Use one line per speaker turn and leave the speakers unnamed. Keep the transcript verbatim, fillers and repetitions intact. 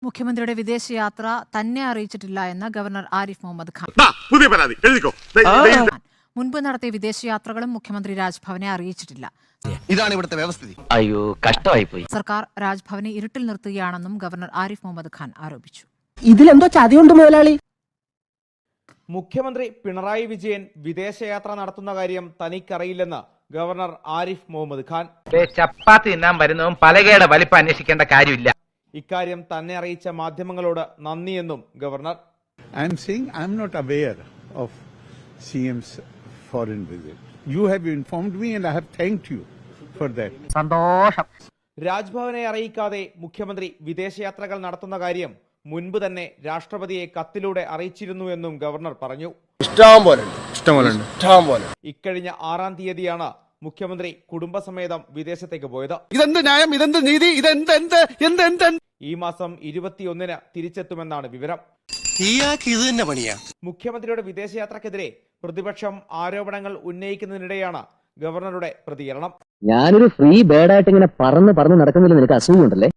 മുഖ്യമന്ത്രിയുടെ വിദേശയാത്ര തന്നെ അറിയിച്ചിട്ടില്ല എന്ന് ഗവർണർ ആരിഫ് മുഹമ്മദ് ഖാൻ.
പുതിയ പരാതി എഴുതിക്കോ.
മുൻപ് നടത്തിയ വിദേശയാത്രകളും മുഖ്യമന്ത്രി രാജ്ഭവനെ അറിയിച്ചിട്ടില്ല.
ഇതാണ് ഇവിടുത്തെ വ്യവസ്ഥിതി.
അയ്യോ, കഷ്ടമായി പോയി.
സർക്കാർ രാജ്ഭവനെ ഇരുട്ടിൽ നിർത്തുകയാണെന്നും ഗവർണർ ആരിഫ് മുഹമ്മദ് ഖാൻ ആരോപിച്ചു.
ഇതിലെന്തോ ചതിയുണ്ട് മുതലാളി.
മുഖ്യമന്ത്രി പിണറായി വിജയൻ വിദേശയാത്ര നടത്തുന്ന കാര്യം തനിക്കറിയില്ലെന്ന് ഗവർണർ ആരിഫ് മുഹമ്മദ് ഖാൻ.
ചപ്പാത്തി തിന്നാൻ വരുന്നതും പലകയുടെ വലിപ്പം അന്വേഷിക്കേണ്ട കാര്യമില്ല.
ഇക്കാര്യം തന്നെ അറിയിച്ച മാധ്യമങ്ങളോട് നന്ദിയെന്നും governor.
I am saying I am not aware of C M's foreign visit. You have informed me and I have thanked you for that.
സന്തോഷം.
രാജ്ഭവനെ അറിയിക്കാതെ മുഖ്യമന്ത്രി വിദേശയാത്രകൾ നടത്തുന്ന കാര്യം മുൻപ് തന്നെ രാഷ്ട്രപതിയെ കത്തിലൂടെ അറിയിച്ചിരുന്നു എന്നും ഗവർണർ പറഞ്ഞു. ഇക്കഴിഞ്ഞ ആറാം തീയതിയാണ് മുഖ്യമന്ത്രി കുടുംബസമേതം വിദേശത്തേക്ക് പോയത്.
ഇതെന്ത് ന്യായം, ഇതെന്ത് നീതി, ഇതെന്ത് എന്ത് എന്ത് എന്ത്
ഈ മാസം ഇരുപത്തിയൊന്നിന് തിരിച്ചെത്തുമെന്നാണ് വിവരം. മുഖ്യമന്ത്രിയുടെ വിദേശയാത്രക്കെതിരെ പ്രതിപക്ഷം ആരോപണങ്ങൾ ഉന്നയിക്കുന്നതിനിടെയാണ് ഗവർണറുടെ പ്രതികരണം.
ഞാനൊരു ഫ്രീ ബേഡായിട്ട് ഇങ്ങനെ പറന്ന് പറന്ന് നടക്കുന്നില്ല, നിനക്ക് അസൂയുണ്ടല്ലേ?